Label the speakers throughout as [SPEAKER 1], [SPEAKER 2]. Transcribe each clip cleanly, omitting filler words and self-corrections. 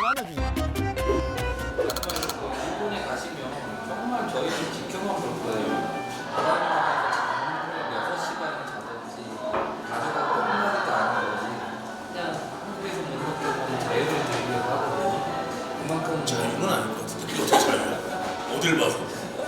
[SPEAKER 1] 하나 지금.
[SPEAKER 2] 일본에 가시면 정말 저희 좀 지켜만 볼 거예요. 바다에서 6시간을 자든지 가져가고 한 마리도 아닌 거지. 그냥 한국에서 못 먹고 자유를 누리려고 하거든요. 그만큼
[SPEAKER 3] 자유는 아닐 것 같은데 그게 어떻게 자유야? 어딜 봐서?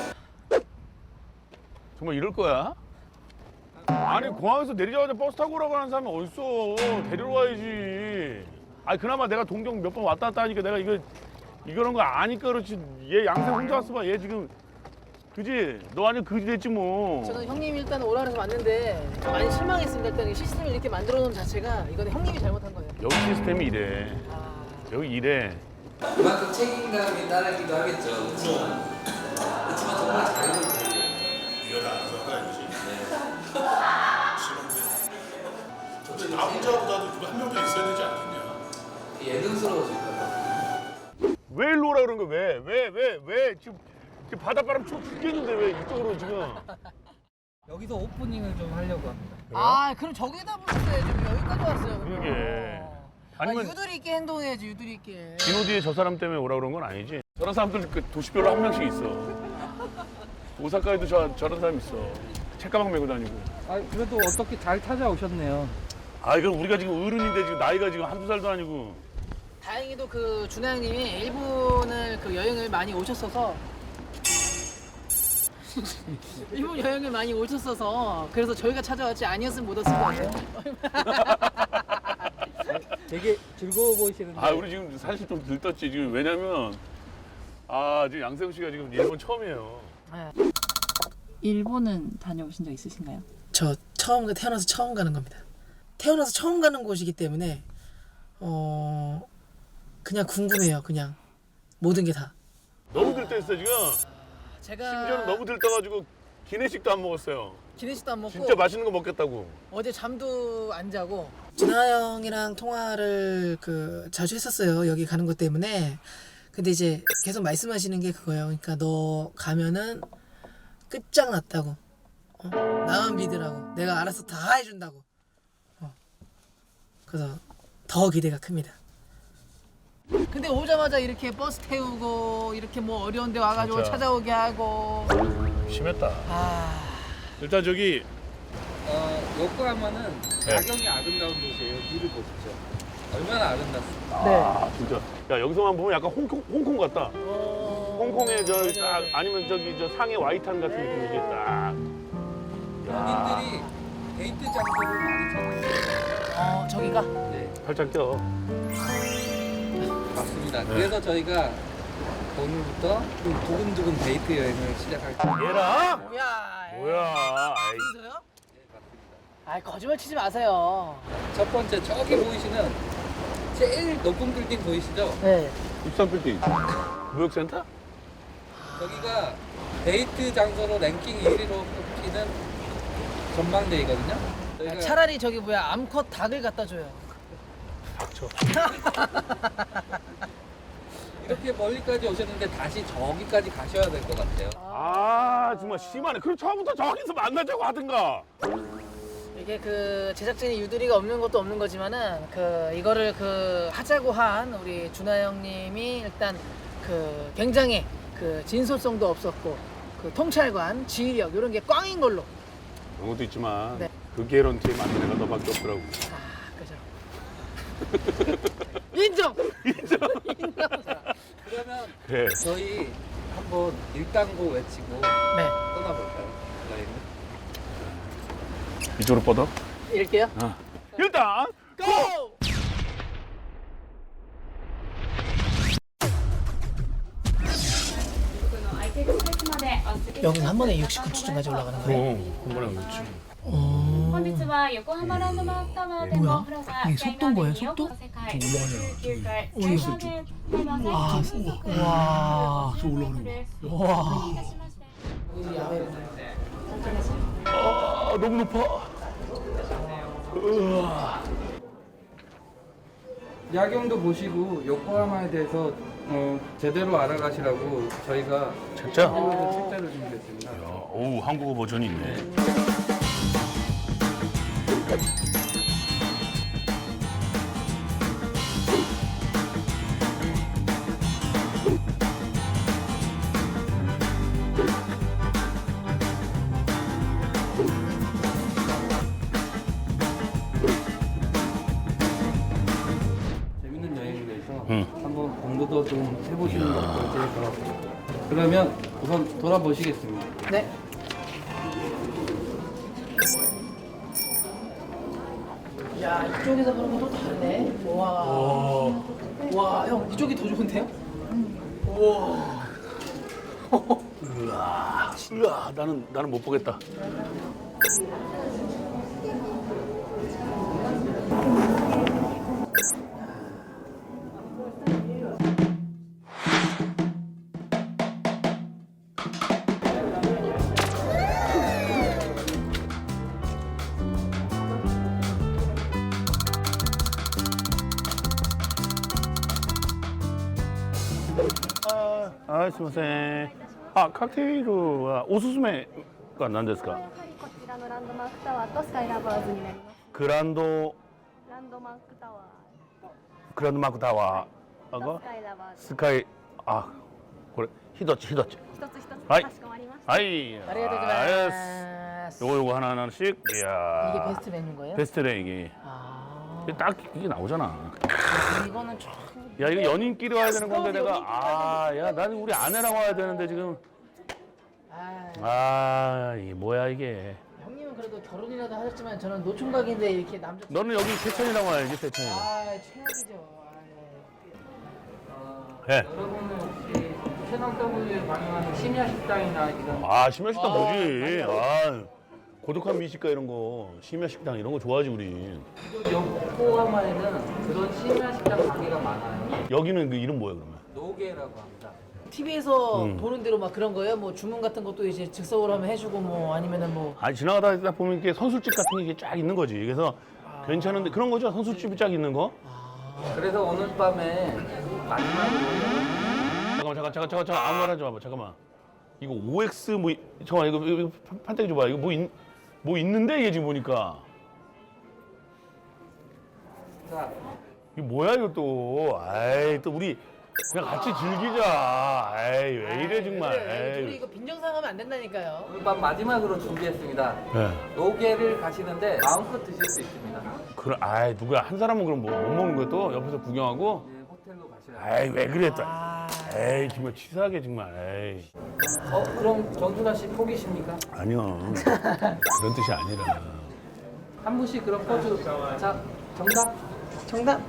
[SPEAKER 1] 정말 이럴 거야? 아니 공항에서 내리자마자 버스 타고 오라고 하는 사람이 어딨어. 데리러 와야지. 아니 그나마 내가 동경 몇 번 왔다 갔다 하니까 내가 이거는 거 아니까 그렇지. 얘 양생 혼자 왔어 봐. 얘 지금 그지? 너 아니면 그지 됐지 뭐.
[SPEAKER 4] 저는 형님 일단 오라 그래서 왔는데 좀 많이 실망했습니다. 일단 이 시스템을 이렇게 만들어 놓은 자체가 이거는 형님이 잘못한 거예요.
[SPEAKER 1] 여기 시스템이 이래.
[SPEAKER 4] 아,
[SPEAKER 1] 여기 이래.
[SPEAKER 2] 그만큼 책임감이 따르기도 하겠죠. 그렇지만 정말 자유를 누리려고.
[SPEAKER 3] 네가 다 알아서 할거 아니지?
[SPEAKER 2] 저도
[SPEAKER 3] 싫은데. 나 혼자보다도 누가 한 명 더 있어야 되지 않겠냐?
[SPEAKER 2] 예능스러워질까 봐.
[SPEAKER 1] 왜 일로 오라 그런 거야? 왜? 지금 바닷바람 추워 죽겠는데 왜 이쪽으로 지금.
[SPEAKER 5] 여기서 오프닝을 좀 하려고 합니다.
[SPEAKER 4] 아 그럼 저기다 보셨어야지. 왜 여기까지 왔어요. 그럼.
[SPEAKER 1] 그러게. 아니면
[SPEAKER 4] 유두리 있게 행동해야지 유두리 있게.
[SPEAKER 1] 디노디에 저 사람 때문에 오라 그런 건 아니지. 저런 사람들 그 도시별로 한 명씩 있어. 오사카에도 저런 사람 있어. 책가방 메고 다니고.
[SPEAKER 5] 아 그래도 어떻게 잘 찾아오셨네요.
[SPEAKER 1] 아 이건 우리가 지금 어른인데 지금 나이가 지금 한두 살도 아니고.
[SPEAKER 4] 다행히도 그 준하 형님이 일본을 그 여행을 많이 오셨어서 일본 여행을 많이 오셨어서 그래서 저희가 찾아왔지 아니었으면 못 왔을 거예요.
[SPEAKER 5] 되게 즐거워 보이시는데.
[SPEAKER 1] 아 우리 지금 사실 좀 들떴지 지금. 왜냐면 지금 양세형 씨가 지금 일본 처음이에요.
[SPEAKER 6] 일본은 다녀오신 적 있으신가요?
[SPEAKER 4] 저 태어나서 처음 가는 겁니다. 태어나서 처음 가는 곳이기 때문에 그냥 궁금해요. 그냥 모든 게 다.
[SPEAKER 1] 너무 들떠있어 지금.
[SPEAKER 4] 제가
[SPEAKER 1] 심지어는 너무 들떠가지고 기내식도 안 먹었어요.
[SPEAKER 4] 기내식도 안 먹고
[SPEAKER 1] 진짜 맛있는 거 먹겠다고.
[SPEAKER 4] 어제 잠도 안 자고 준하 형이랑 통화를 자주 했었어요. 여기 가는 것 때문에. 근데 이제 계속 말씀하시는 게 그거예요. 그러니까 너 가면은 끝장났다고. 나만 믿으라고. 내가 알아서 다 해준다고. 그래서 더 기대가 큽니다. 근데 오자마자 이렇게 버스 태우고 이렇게 뭐 어려운 데 와가지고
[SPEAKER 1] 진짜.
[SPEAKER 4] 찾아오게 하고
[SPEAKER 1] 심했다.
[SPEAKER 4] 아
[SPEAKER 1] 일단 저기
[SPEAKER 5] 요코하마는
[SPEAKER 1] 네.
[SPEAKER 5] 야경이 아름다운 도시예요. 뷰를 보십시오. 얼마나 아름답습니까?
[SPEAKER 4] 네.
[SPEAKER 1] 진짜. 야 여기서만 보면 약간 홍콩 같다. 홍콩의 딱 아니면 저기 저 상해 와이탄 같은 느낌이지 딱.
[SPEAKER 5] 본인들이 데이트 장소를 많이 찾아요.
[SPEAKER 4] 저기가
[SPEAKER 5] 네,
[SPEAKER 1] 팔짱 껴.
[SPEAKER 5] 맞습니다. 그래서 저희가 오늘부터 좀 두근두근 데이트 여행을 시작할 겁니다.
[SPEAKER 1] 얘라?
[SPEAKER 4] 뭐야
[SPEAKER 1] 아이.
[SPEAKER 4] 여기서요? 아 거짓말 치지 마세요.
[SPEAKER 5] 첫 번째 저기 보이시는 제일 높은 빌딩 보이시죠?
[SPEAKER 4] 네.
[SPEAKER 1] 63빌딩. 무역센터?
[SPEAKER 5] 저기가 데이트 장소로 랭킹 1위로 꼽히는 전망대이거든요. 저희가
[SPEAKER 4] 차라리 저기 암컷 닭을 갖다 줘요.
[SPEAKER 1] 닥쳐.
[SPEAKER 5] 이렇게 멀리까지 오셨는데 다시 저기까지 가셔야 될 것 같아요.
[SPEAKER 1] 정말 심하네. 그럼 처음부터 저기서 만나자고 하든가.
[SPEAKER 4] 이게 제작진이 유두리가 없는 것도 없는 거지만은 이거를 하자고 한 우리 준하 형님이 일단 굉장히 진솔성도 없었고 통찰관, 지휘력 이런 게 꽝인 걸로.
[SPEAKER 1] 그런 것도 있지만
[SPEAKER 4] 네.
[SPEAKER 1] 그 개런티에 맞는 애가 너밖에 없더라고.
[SPEAKER 4] 그죠. 인정.
[SPEAKER 5] 그러면
[SPEAKER 1] 그래.
[SPEAKER 5] 저희 한번 일당고 외치고
[SPEAKER 4] 네.
[SPEAKER 5] 떠나볼까요? 여행을?
[SPEAKER 1] 이쪽으로 뻗어.
[SPEAKER 4] 이럴게요.
[SPEAKER 1] 일단
[SPEAKER 4] 고! 여기는 한 번에 69초까지 올라가는 거예요?
[SPEAKER 1] 한 번에 그렇지.
[SPEAKER 7] 本日は横浜ランドマークタワーでもプラザ
[SPEAKER 4] 이게 속도인 거예요, 속도?
[SPEAKER 7] 世界19階
[SPEAKER 4] おい
[SPEAKER 7] 最高で台湾
[SPEAKER 4] 와, 와,
[SPEAKER 7] 저 올라가는 거.
[SPEAKER 4] 와.
[SPEAKER 1] 너무 높아.
[SPEAKER 5] 야경도 보시고 요코하마에 대해서 제대로 알아가시라고 저희가
[SPEAKER 1] 진짜?
[SPEAKER 5] 한국어로 책자를 준비했습니다.
[SPEAKER 1] 오 한국어 버전이 있네.
[SPEAKER 5] 한번 공부도 좀 해보시는 것도 제일 좋았고. 그러면 우선 돌아보시겠습니다.
[SPEAKER 4] 네. 야, 이쪽에서 보는 것도 다르네. 와. 와, 형, 이쪽이 더 좋은데요? 우와.
[SPEAKER 1] 으아, 나는 못 보겠다.すみません。カクテルはおすすめが何ですか？
[SPEAKER 8] やはりこちらのランドマークタワーとスカイラバーズになります。
[SPEAKER 1] グランド
[SPEAKER 8] ランドマークタワ
[SPEAKER 1] マークタワー
[SPEAKER 8] ーと
[SPEAKER 1] が
[SPEAKER 8] スカイラバーズ
[SPEAKER 1] スカイこれ一つ
[SPEAKER 8] 一つ一つ
[SPEAKER 1] はい
[SPEAKER 8] かしこまりました。
[SPEAKER 1] はい。
[SPEAKER 4] ありがとうございます.
[SPEAKER 1] 요거 하나씩. 이야.
[SPEAKER 4] 이게 베스트 메뉴인 거예요?
[SPEAKER 1] 베스트래 이게.
[SPEAKER 4] 아.
[SPEAKER 1] 이게 딱 이게 나오잖아.
[SPEAKER 4] 이거는 좀.
[SPEAKER 1] 야 이거 연인끼리 와야 되는 건데 내가 야 나는 우리 아내랑 와야 되는데 지금 이게 뭐야 이게.
[SPEAKER 4] 형님은 그래도 결혼이라도 하셨지만 저는 노총각인데 이렇게 남자.
[SPEAKER 1] 너는 여기 세천이랑 와야지 세천이랑.
[SPEAKER 4] 최악이죠.
[SPEAKER 1] 네.
[SPEAKER 5] 여러분은 혹시 채널 W에 방영하는 심야 식당이나 이런
[SPEAKER 1] 심야 식당 뭐지? 고독한 미식가 이런 거, 심야 식당 이런 거 좋아하지 우리.
[SPEAKER 5] 요코하마에는 그런 심야 식당 가게가 많아요.
[SPEAKER 1] 여기는 그 이름 뭐야 그러면?
[SPEAKER 5] 노게라고 합니다.
[SPEAKER 4] TV에서 보는 대로 막 그런 거예요? 뭐 주문 같은 것도 이제 즉석으로 하면 해주고 뭐 아니면은 뭐.
[SPEAKER 1] 지나가다 보면 이렇게 선술집 같은 게 쫙 있는 거지. 그래서 괜찮은데 그런 거죠? 선술집이 쫙 있는 거?
[SPEAKER 5] 그래서 오늘 밤에 마지막으로
[SPEAKER 1] 잠깐만 아무 말 하지 마봐. 잠깐만. 이거 OX 잠깐만 이거 판때기 줘봐. 이거 뭐 있는데 이게 지금 보니까.
[SPEAKER 5] 자,
[SPEAKER 1] 이게 뭐야 이거 또. 또 우리 그냥 같이 즐기자. 왜 이래 정말.
[SPEAKER 4] 둘이 이거 빈정상하면 안 된다니까요.
[SPEAKER 5] 오늘 밤 마지막으로 준비했습니다.
[SPEAKER 1] 네.
[SPEAKER 5] 노게를 가시는데 마음껏 드실 수 있습니다.
[SPEAKER 1] 그래, 누구야 한 사람은 그럼 못 먹는 거야 또 옆에서 구경하고.
[SPEAKER 5] 이제 호텔로 가셔야
[SPEAKER 1] 왜 그래 또. 정말 치사하게 정말.
[SPEAKER 5] 그럼 정준하 씨 포기십니까?
[SPEAKER 1] 아니요. 그런 뜻이 아니라.
[SPEAKER 5] 한 분씩 그럼 포즈. 자, 정답.
[SPEAKER 4] 정답.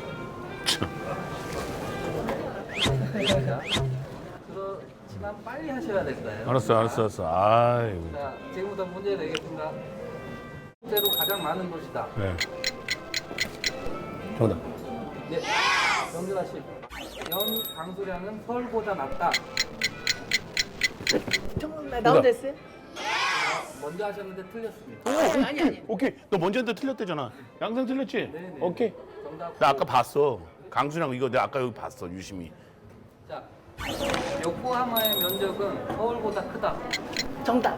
[SPEAKER 5] 그렇지만 빨리 하셔야 될까요?
[SPEAKER 1] 알았어. 아이고.
[SPEAKER 5] 자, 지금부터 문제 내겠습니다. 실제로 가장 많은 도시다.
[SPEAKER 1] 네. 정답.
[SPEAKER 5] 네, 정준하 씨. 연 강수량은 서울보다 낮다.
[SPEAKER 4] 정답. 나 혼자 했어요?
[SPEAKER 5] 먼저 하셨는데 틀렸습니다.
[SPEAKER 4] 아니.
[SPEAKER 1] 오케이. 너 먼저 했는데 틀렸대잖아. 양상 틀렸지?
[SPEAKER 5] 네네.
[SPEAKER 1] 오케이.
[SPEAKER 5] 정답.
[SPEAKER 1] 나 아까 봤어. 강수랑 이거 내가 아까 여기 봤어. 유심히.
[SPEAKER 5] 자, 요코하마의 면적은 서울보다 크다.
[SPEAKER 4] 정답.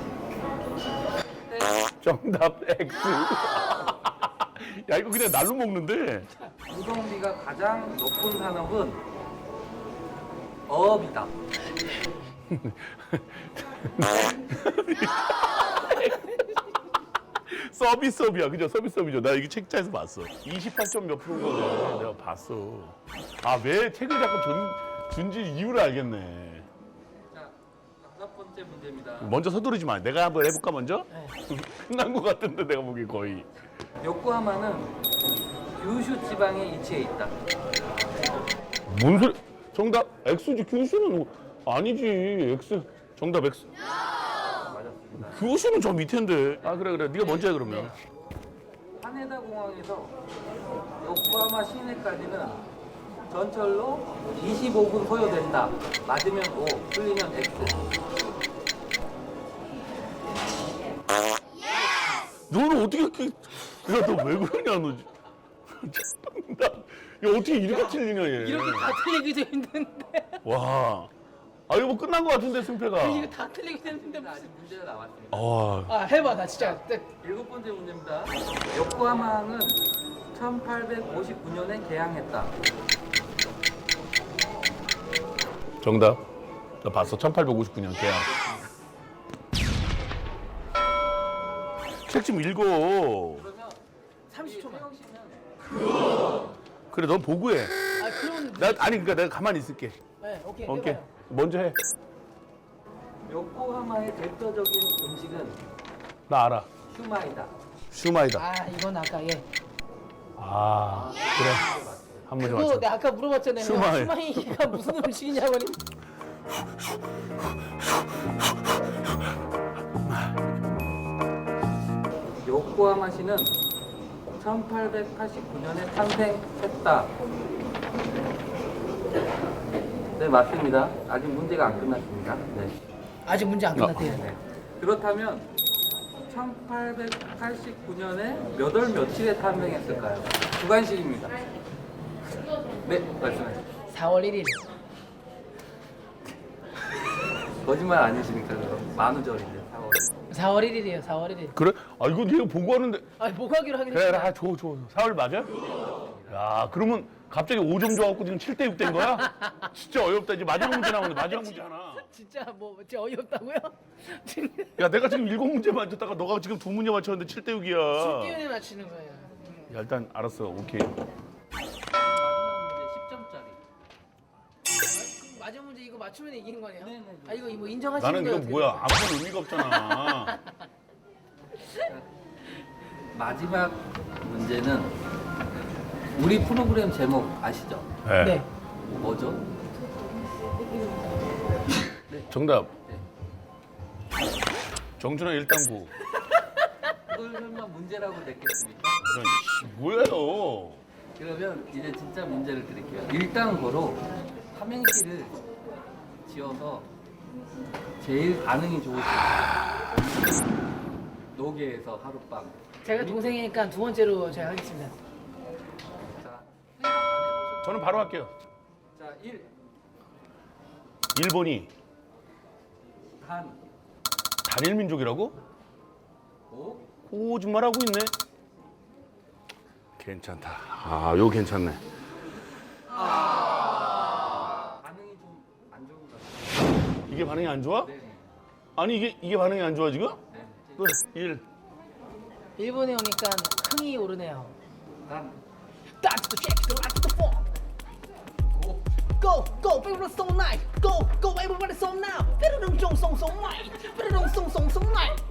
[SPEAKER 5] 네.
[SPEAKER 1] 정답 X. 야 이거 그냥 날로 먹는데.
[SPEAKER 5] 유동비가 가장 높은 산업은 어업이다.
[SPEAKER 1] 서비스업이야, 그죠? 서비스업이죠. 나 이거 책자에서 봤어. 28점 몇 프로인가 내가 봤어. 왜 책을 자꾸 준지 이유를 알겠네.
[SPEAKER 5] 자, 5번째 문제입니다.
[SPEAKER 1] 먼저 서두르지 마. 내가 한번 해볼까 먼저? 끝난 것 같은데 내가 보기 거의.
[SPEAKER 5] 요코하마는 규슈 지방에 위치해 있다.
[SPEAKER 1] 뭔 소리? 정답 X지. 규슈는 아니지. X. 정답 X.
[SPEAKER 5] 맞았습니다.
[SPEAKER 1] 규슈는 저 밑인데. 그래. 네가 먼저 해 그러면.
[SPEAKER 5] 하네다 공항에서 요코하마 시내까지는 전철로 25분 소요된다. 맞으면 O, 틀리면 X.
[SPEAKER 1] 너는 어떻게 이렇게? 야, 너 왜 그러냐 너. 정답. 야 어떻게 이렇게 틀리냐 얘.
[SPEAKER 4] 이렇게 다 틀리기도 힘든데.
[SPEAKER 1] 와. 이거 뭐 끝난 것 같은데 승패가.
[SPEAKER 4] 이거 다 틀리기도 힘든데 무슨.
[SPEAKER 5] 아직 문제가 나왔습니다.
[SPEAKER 4] 해봐 나 진짜.
[SPEAKER 5] 7번째 문제입니다. 요코하마항은 1859년에 개항했다.
[SPEAKER 1] 정답. 나 봤어. 1859년 개항. 책 좀 읽어.
[SPEAKER 5] 그러면
[SPEAKER 4] 30초만.
[SPEAKER 5] 혜영 씨는
[SPEAKER 1] 그래, 넌 보고해. 아니 그러니까 내가 가만히 있을게.
[SPEAKER 4] 네, 오케이.
[SPEAKER 1] 오케이.
[SPEAKER 4] 해봐요.
[SPEAKER 1] 먼저 해.
[SPEAKER 5] 요코하마의 대표적인 음식은
[SPEAKER 1] 나 알아.
[SPEAKER 5] 슈마이다.
[SPEAKER 1] 슈마이다.
[SPEAKER 4] 아, 이건 아까 예.
[SPEAKER 1] 아 그래. 한 문제
[SPEAKER 4] 그거
[SPEAKER 1] 맞춰.
[SPEAKER 4] 내가 아까 물어봤잖아요.
[SPEAKER 1] 슈마이.
[SPEAKER 4] 슈마이가 무슨 음식이냐고.
[SPEAKER 5] 요코하마시는 1889년에 탄생했다. 네, 맞습니다. 아직 문제가 안 끝났습니다. 네.
[SPEAKER 4] 아직 문제 안 끝났대요.
[SPEAKER 5] 네. 그렇다면 1889년에 몇 월 며칠에 탄생했을까요? 주관식입니다. 네, 말씀하세요.
[SPEAKER 4] 4월 1일.
[SPEAKER 5] 거짓말 아니시니까 그럼 만우절인데 4월.
[SPEAKER 4] 4월 1일이에요. 4월 1일.
[SPEAKER 1] 그래? 아 이거 네가 보고 하는데.
[SPEAKER 4] 아니, 뭐 하기로 하긴
[SPEAKER 1] 그래,
[SPEAKER 4] 했잖아.
[SPEAKER 1] 아, 줘. 4월 맞아? 야, 그러면 갑자기 5점 줘갖고 지금 7대 6 된 거야? 진짜 어이없다. 이제 마지막 문제 나오는데 마지막 문제 하나.
[SPEAKER 4] 진짜 뭐 진짜 어이없다고요?
[SPEAKER 1] 야, 내가 지금 7문제 맞췄다가 너가 지금 2문제 맞췄는데 7대 6이야.
[SPEAKER 4] 쉽게 맞추는 거예요.
[SPEAKER 1] 야, 일단 알았어. 오케이.
[SPEAKER 5] 마지막 문제 10점짜리.
[SPEAKER 4] 마지막 문제 이거 맞추면 이기는 거네요?
[SPEAKER 5] 네.
[SPEAKER 4] 아 이거 뭐 인정하시는
[SPEAKER 1] 나는
[SPEAKER 4] 거예요?
[SPEAKER 1] 이거 뭐야? 아무런 의미가 없잖아.
[SPEAKER 5] 마지막 문제는 우리 프로그램 제목 아시죠?
[SPEAKER 4] 네.
[SPEAKER 5] 뭐죠?
[SPEAKER 1] 정답. 정준하 1당구.
[SPEAKER 5] 그걸 설마 문제라고 냈겠습니까?
[SPEAKER 1] 이런 뭐예요?
[SPEAKER 5] 그러면 이제 진짜 문제를 드릴게요. 일당고로 삼행시를 지어서 제일 반응이 좋으신 노계에서 하룻밤.
[SPEAKER 4] 제가 동생이니까 두 번째로 제가 하겠습니다.
[SPEAKER 5] 자, 생각 안 해보셨죠?
[SPEAKER 1] 저는 바로 할게요.
[SPEAKER 5] 자, 1.
[SPEAKER 1] 일본이 단일 민족이라고?
[SPEAKER 5] 5.
[SPEAKER 1] 거짓말하고 있네. 괜찮다. 아, 요거 괜찮네.
[SPEAKER 5] 반응이 좀 안 좋은 것 같아요.
[SPEAKER 1] 이게 반응이 안 좋아?
[SPEAKER 5] 네.
[SPEAKER 1] 아니 이게 반응이 안 좋아 지금?
[SPEAKER 5] 네.
[SPEAKER 1] 그 1.
[SPEAKER 4] 일본에 오니까 흥이 오르네요.
[SPEAKER 5] 단.
[SPEAKER 4] That's the shake, the light, the form. Go, go, everyone so nice. Go, go, everybody so now. 뾰로롱 쫑송 so nice. 뾰로롱 송송 so nice.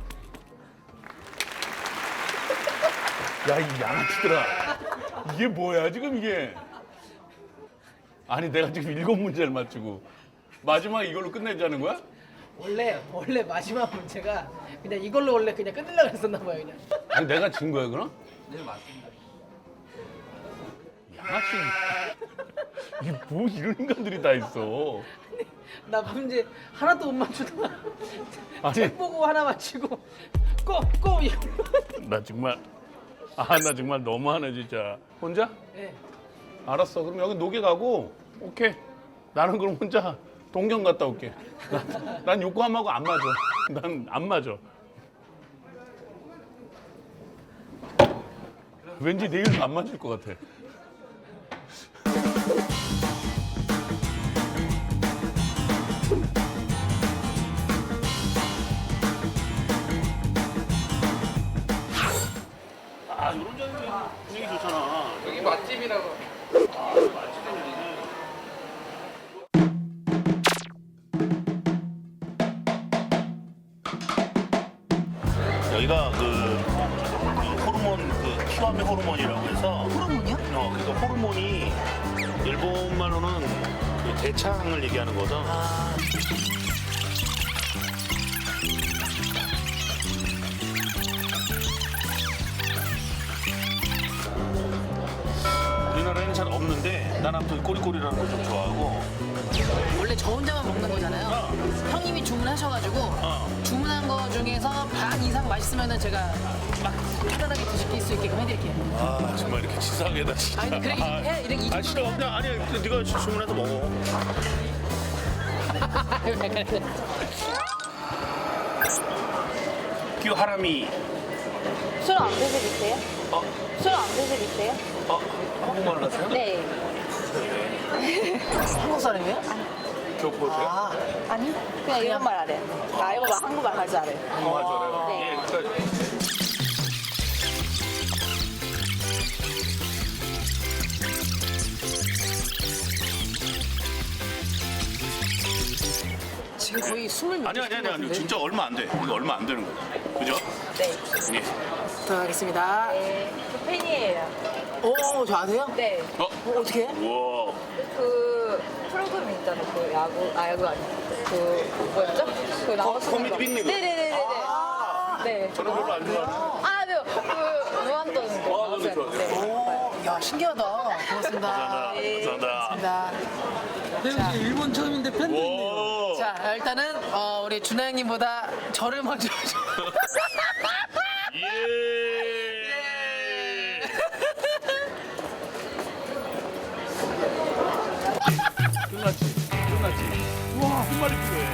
[SPEAKER 1] 야, 이 양아치들아. 이게 뭐야 지금 이게? 아니 내가 지금 7문제를 맞추고 마지막에 이걸로 끝내자는 거야?
[SPEAKER 4] 원래 마지막 문제가 그냥 이걸로 원래 그냥 끝내려고 했었나 봐요 그냥.
[SPEAKER 1] 아니 내가 진 거야 그럼?
[SPEAKER 5] 네, 맞습니다.
[SPEAKER 1] 양아치. 이게 뭐 이런 인간들이 다 있어.
[SPEAKER 4] 나 문제 하나도 못 맞추다가
[SPEAKER 1] 아니.
[SPEAKER 4] 책 보고 하나 맞히고 꼭 이거.
[SPEAKER 1] 나 정말 나 정말 너무하네 진짜. 혼자?
[SPEAKER 4] 네.
[SPEAKER 1] 알았어. 그럼 여기 노게 가고 오케이. 나는 그럼 혼자 동경 갔다 올게. 난 요코하마하고 안 맞아. 난 안 맞아. 왠지 내일도 안 맞을 것 같아. 아, 이런 자리 분위기 좋잖아.
[SPEAKER 5] 여기 맛집이라고.
[SPEAKER 3] 여기가 그 호르몬 그 키와메 호르몬이라고 해서
[SPEAKER 4] 호르몬이요?
[SPEAKER 3] 그러니까 호르몬이 일본 말로는 그 대창을 얘기하는 거죠. 우리나라에는 잘 없는데 난 아무튼 꼬리꼬리라는 걸 좀 좋아하고.
[SPEAKER 4] 원래 저 혼자만 먹는 거잖아요. 형님이 주문하셔가지고 주문한 거 중에서 반 이상 맛있으면은 제가 막 편안하게 드실 수 있게끔 해드릴게요.
[SPEAKER 3] 아 정말 이렇게 치사하게다 진짜.
[SPEAKER 4] 아니 그래 해 이렇게 이
[SPEAKER 3] 아 싫어
[SPEAKER 4] 정도는
[SPEAKER 3] 그냥 아니 네가 주문해서 먹어. 큐 하라미.
[SPEAKER 8] 술 안 드시겠어요? 술 안 드시겠어요?
[SPEAKER 3] 한국말 하세요?
[SPEAKER 8] 네.
[SPEAKER 4] 한국 사람이에요?
[SPEAKER 3] 교포세요?
[SPEAKER 4] 아
[SPEAKER 8] 아니? 그냥 일본말 알아요. 나 일본말 한국말 할 줄 알아요.
[SPEAKER 3] 한국말 잘해요?
[SPEAKER 8] 네.
[SPEAKER 3] 예, 그러니까
[SPEAKER 4] 지금 거의 숨을 못
[SPEAKER 3] 아니
[SPEAKER 4] 쉬는 것 같은데.
[SPEAKER 3] 진짜 얼마 안 돼. 이거 얼마 안 되는 거야. 그죠?
[SPEAKER 8] 네.
[SPEAKER 3] 예.
[SPEAKER 4] 들어가겠습니다.
[SPEAKER 8] 저 팬이에요.
[SPEAKER 4] 오, 저 아세요?
[SPEAKER 8] 네.
[SPEAKER 4] 어떻게?
[SPEAKER 3] 우와.
[SPEAKER 8] 그 프로그램 있잖아요. 그 야구 아니고 그 뭐였죠? 그 나와서
[SPEAKER 3] 코미디 빅리그.
[SPEAKER 8] 네네네네. 네.
[SPEAKER 3] 저는 별로 안 좋아하는.
[SPEAKER 8] 아, 네. 그 무한도전.
[SPEAKER 3] 저는 좋아해요.
[SPEAKER 8] 네.
[SPEAKER 4] 야, 신기하다. 고맙습니다.
[SPEAKER 3] 감사합니다.
[SPEAKER 4] 고맙습니다.
[SPEAKER 5] 네, 혹시 일본 처음인데 팬도 있네요.
[SPEAKER 3] 오.
[SPEAKER 4] 자, 일단은 우리 준하 형님보다 저를 먼저
[SPEAKER 3] 예.
[SPEAKER 1] 끝났지. 우와, 끝말이 필요해.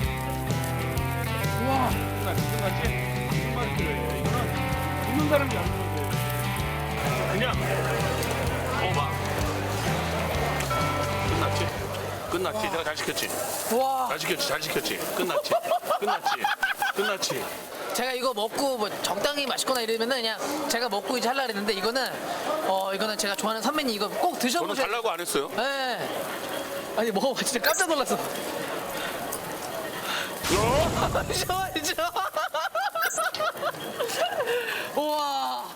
[SPEAKER 1] 우와, 끝났지. 끝말이 필요해. 이거는 웃는 사람이 안 웃는 돼.
[SPEAKER 3] 그냥 오바. 끝났지. 내가 잘 시켰지.
[SPEAKER 4] 와.
[SPEAKER 3] 잘 시켰지. 끝났지.
[SPEAKER 4] 제가 이거 먹고 뭐 적당히 맛있거나 이러면은 그냥 제가 먹고 이제 하려고 했는데 이거는 제가 좋아하는 선배님 이거 꼭
[SPEAKER 3] 저는
[SPEAKER 4] 드셔보세요.
[SPEAKER 3] 달라고 안 했어요.
[SPEAKER 4] 네. 아니 먹어봐 진짜 깜짝 놀랐어. 좋아하죠. 우와.